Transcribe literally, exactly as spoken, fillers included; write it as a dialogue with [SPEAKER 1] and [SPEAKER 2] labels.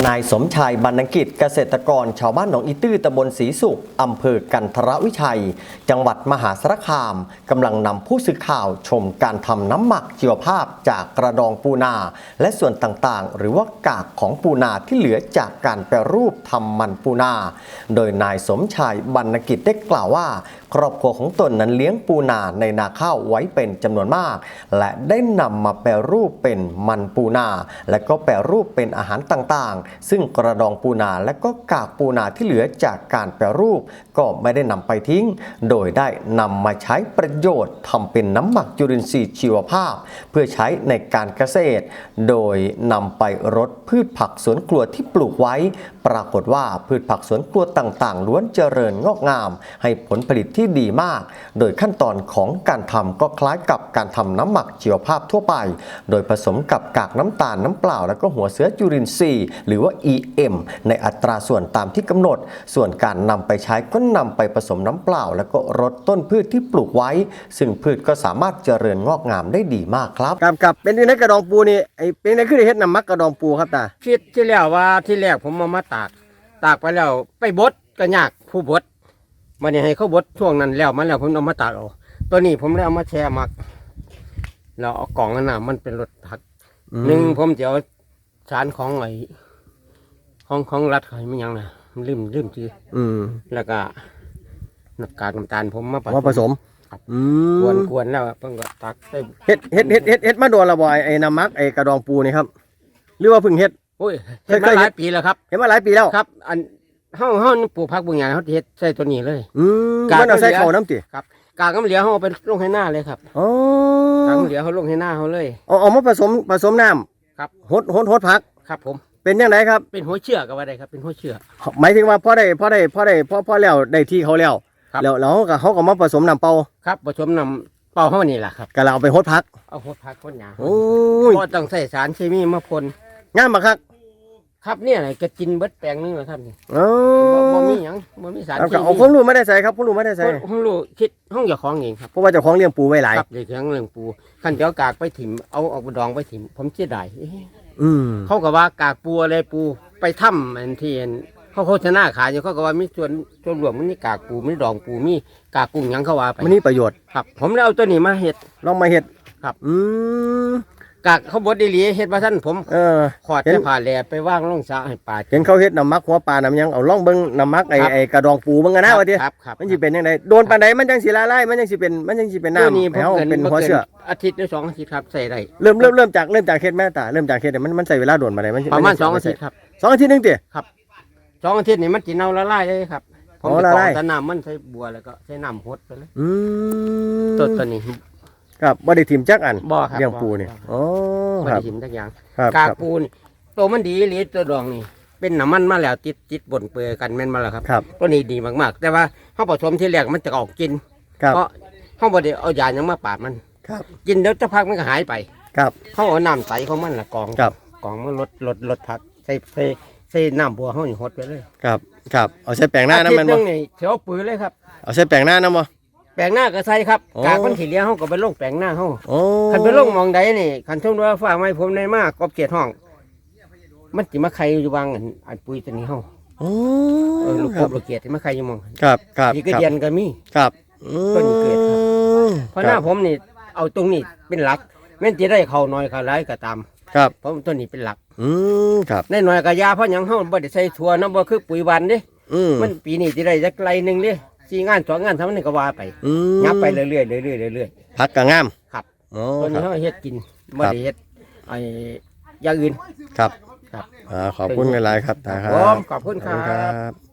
[SPEAKER 1] นายสมชายบรรณกิจเกษตรกรชาวบ้านหนองอีตื้อตำบลศรีสุขอำเภอกันทรวิชัยจังหวัดมหาสารคามกำลังนำผู้สื่อข่าวชมการทำน้ำหมักชีวภาพจากกระดองปูนาและส่วนต่างๆหรือว่ากากของปูนาที่เหลือจากการแปรรูปทำมันปูนาโดยนายสมชายบรรณกิจได้กล่าวว่าครอบครัวของตนนั้นเลี้ยงปูนาในนาข้าวไว้เป็นจำนวนมากและได้นำมาแปรรูปเป็นมันปูนาและก็แปรรูปเป็นอาหารต่างๆซึ่งกระดองปูนาและก็กากปูนาที่เหลือจากการแปรรูปก็ไม่ได้นำไปทิ้งโดยได้นำมาใช้ประโยชน์ทำเป็นน้ำหมักจุลินทรีย์ชีวภาพเพื่อใช้ในการเกษตรโดยนำไปรดพืชผักสวนครัวที่ปลูกไว้ปรากฏว่าพืชผักสวนครัวต่างๆล้วนเจริญงอกงามให้ผลผลิตที่ดีมากโดยขั้นตอนของการทำก็คล้ายกับการทำน้ำหมักชีวภาพทั่วไปโดยผสมกับกากน้ำตาลน้ำเปล่าและก็หัวเชื้อจุลินทรีย์หรือว่า อี เอ็ม ในอัตราส่วนตามที่กำหนดส่วนการนำไปใช้ก็นำไปผสมน้ำเปล่าแล้วก็รดต้นพืชที่ปลูกไว้ซึ่งพืชก็สามารถเจริญงอกงามได้ดีมากครับกับกับเป็นในกระดองปูนี่ไอเป็นในคือเฮ็ดน้ำหมักกระดองปูครับตา
[SPEAKER 2] คิดที่แล้วว่าที่แรกผมเอามาตากตากไปแล้วไปบดก็ยากผู้บดมันนี่ให้เขาบดช่วงนั้นแล้วมันแล้วผมเอามาตากเอาตัวนี้ผมได้เอามาแช่หมักแล้วเอากล่องนั่นน่ะมันเป็นรถผักหนึ่งผมจะเอาสารของไอ้ของของรัฐเขาไม่ยังนะลืมลืมชื่ออืมแล้วก็น้ำกากน้ำตาลผมมา
[SPEAKER 1] ผสม
[SPEAKER 2] กวนกวนแล้วเพิ่งก็ตัก
[SPEAKER 1] เฮ็ดเฮ็ดเฮ็ดเฮ็ดเฮ็ดมาโดนละบ่อยไอ้น้ำมักไอ้กระดองปูนี่ครับหรือว่าเพิ่งเฮ็ด
[SPEAKER 2] โอ้ยเฮ็ดมาหลายปีแล้วครับ
[SPEAKER 1] เฮ็ดมาหลายปีแล้ว
[SPEAKER 2] ครับอันเฮาเฮาปลูกผักบางอย่างเฮาเฮ็ดใส่ตัวนี้เลย
[SPEAKER 1] อืมมันเอาใส่เข้าน้ำติ
[SPEAKER 2] ครับกากน้ำเหลือเฮาไปลงให้หน้าเลยครับ
[SPEAKER 1] อ๋อก
[SPEAKER 2] ากน้ำเหลือเฮาลงให้หน้าเฮาเลย
[SPEAKER 1] เอาเอามาผสมผสมน้
[SPEAKER 2] ำครับ
[SPEAKER 1] หดหดหดผัก
[SPEAKER 2] ครับผม
[SPEAKER 1] เป็นยังไงครับ
[SPEAKER 2] เป็นหัวเชื้อก็ว่าได้ครับเป็นหัวเชื้อ
[SPEAKER 1] หมายถึงว่าพอได้พอได้พอได้พอพอแล้วได้ที่เขาแล้วแล้วแล้วก็เขาก็มาผสมน้ำเปล่า
[SPEAKER 2] ครับผสมน้ำเปล่าเฮานี่แหละครับ
[SPEAKER 1] ก็เราเอาไปหดผัก
[SPEAKER 2] เอาหดผักหดหญ้า
[SPEAKER 1] โอ้ย
[SPEAKER 2] บ่ต้องใส่สารเคมีมาพ่น
[SPEAKER 1] งามบ่ครับ
[SPEAKER 2] ครับเนี่ยไหนก็กินเบิดแปลงนึงแล้วครับนี่
[SPEAKER 1] อ๋อ
[SPEAKER 2] บ่มีหยังบ่มีสารเคมี
[SPEAKER 1] เอาผมรู้ไม่ได้ใส่ครับผมรู้ไม่ได้ใส่
[SPEAKER 2] ผมรู้คิดห้องเจ้าของเองครับ
[SPEAKER 1] เพราะว่าเจ้าของเลี้ยงปูไว้หลาย
[SPEAKER 2] ครับเจ้าของเลี้ยงปูคันเจ้ากากไปถิ่มเอาออกดองไปถิ่มผมเสียดาย
[SPEAKER 1] อืม
[SPEAKER 2] เขาก็ว่ากากปูอะไรปูไปถ้ำอันที่เขาโฆษณาขายอยู่เขาก็ว่ามีส่วนส่วนรวมมันนี่กากปูมีดองปูมีกากกุ้งยังเขาว่าไป
[SPEAKER 1] มันนี่ประโยชน์
[SPEAKER 2] ครับผมเลยเอาตัวนี้มาเฮ็ด
[SPEAKER 1] ลองมาเฮ็ด
[SPEAKER 2] ครับ
[SPEAKER 1] อืม
[SPEAKER 2] กากเขาบดดีหลีเฮ็ดว่าท่านผม
[SPEAKER 1] เออ
[SPEAKER 2] ขอดจะผ่าแหล่ไปว่างล่องสระให้ปลา
[SPEAKER 1] เห็นเขาเฮ็ดน้ำมักหัวปลาน้ำยังเอาล่องเบิ้งน้ำมักไอ้ไอ้กระดองปูเบิ้งกันนะว่าที
[SPEAKER 2] ครับครับ
[SPEAKER 1] มันสิเป็นยังไงโดนปานใดมันจังสิละลายมันจังสิเป็นมันจังสิเป็นน้ำแล้วเป็นหัวเชื้อ
[SPEAKER 2] อาทิตย์หรือสองอาทิตย์ครับใส่ได้
[SPEAKER 1] เริ่มเริ่มเริ่มจากเริ่มจากเฮ็ดแม่ตาเริ่มจากเฮ็ดมันมันใส่เวลาโดนปานใดมัน
[SPEAKER 2] ประมาณสองอาทิตย์ครับ
[SPEAKER 1] สองอาทิตย์นึงติ
[SPEAKER 2] ครับสองอาทิตย์นี่มันสิเน่าละลายเลยครับผมจะกรองแต่น้ำมันใส่บัวแล้วก็ใส่น้ำหดไปเลย
[SPEAKER 1] อืม
[SPEAKER 2] ตัวตัวนี้
[SPEAKER 1] ครับบ่ได้ถิ่มจักอัน
[SPEAKER 2] บ่ครับ
[SPEAKER 1] เลี้ยงปูนี่อ๋อ
[SPEAKER 2] บ่ได้ถิ่มจักอย่างกากปูนี่ตัวมันดีหรือตัวดองนี่เป็นน้ำมันมาแล้วติดติดบนเปลือยกันแม่นมาแล้วครับตัวนี้ดีมากๆแต่ว่าเฮาผสมที่แรกมันจะออกกินเพราะเฮาบ่ได้เอายาหยังมาปาดมันกินเดี๋ยวสักพักมันก็หายไป
[SPEAKER 1] ครับ
[SPEAKER 2] เฮาเอาน้ำใสของมันล่ะกองกองมันลดลดลดผักใส่ใส่ใส่น้ำบัวเฮานี่หดไปเลย
[SPEAKER 1] ครับครับเอาใส่แป้งหน้าน้ำมันบ่
[SPEAKER 2] นี่เสียวปืนเลยครับ
[SPEAKER 1] เอาใส่แป้งหน้าน้ำบ่
[SPEAKER 2] แปลงหน้าก็ใส่ครับกากมันขี้เลี้ยงเขาก็ไปลงแปลงหน้าเขาคันไปลงมองใดนี่คันช่วงว่าฟ้าไม้ผมในมากกบเกียรห้องมันจิมาใครอยู่วางอันปุ๋ยตัวนี้เขาเออลูกกบลูกเกียรที่มาใครอยู่มอง
[SPEAKER 1] ครับครับ
[SPEAKER 2] ที่ก็เดียนก็มี
[SPEAKER 1] ครับ
[SPEAKER 2] ต้นเกิดครับเพราะหน้าผมนี่เอาตรงนี้เป็นหลักแม้จะได้เขาน้อยเขาร้ายก็ตาม
[SPEAKER 1] ครับ
[SPEAKER 2] เพราะต้นนี้เป็นหลัก
[SPEAKER 1] อืมครับ
[SPEAKER 2] ในหน่อยกระยาเพราะยังเขาบ่ได้ใส่ถั่วน้ำบ่คือปุ๋ยวันดิมันปีนี้จะได้จักไรหนึ่งดิสี่งานสองงานทำนี่ก็ว่าไปงับไปเรื่อยๆเรื่อยๆเรื่อย
[SPEAKER 1] ๆผักกระงาม
[SPEAKER 2] ครับตัวนี้เขาเฮ็ดกินไม่ได้เฮ็ดไอ้อย่างอื่น
[SPEAKER 1] ครับครับขอบคุณหลายๆครับ
[SPEAKER 2] ครับขอบคุณครับ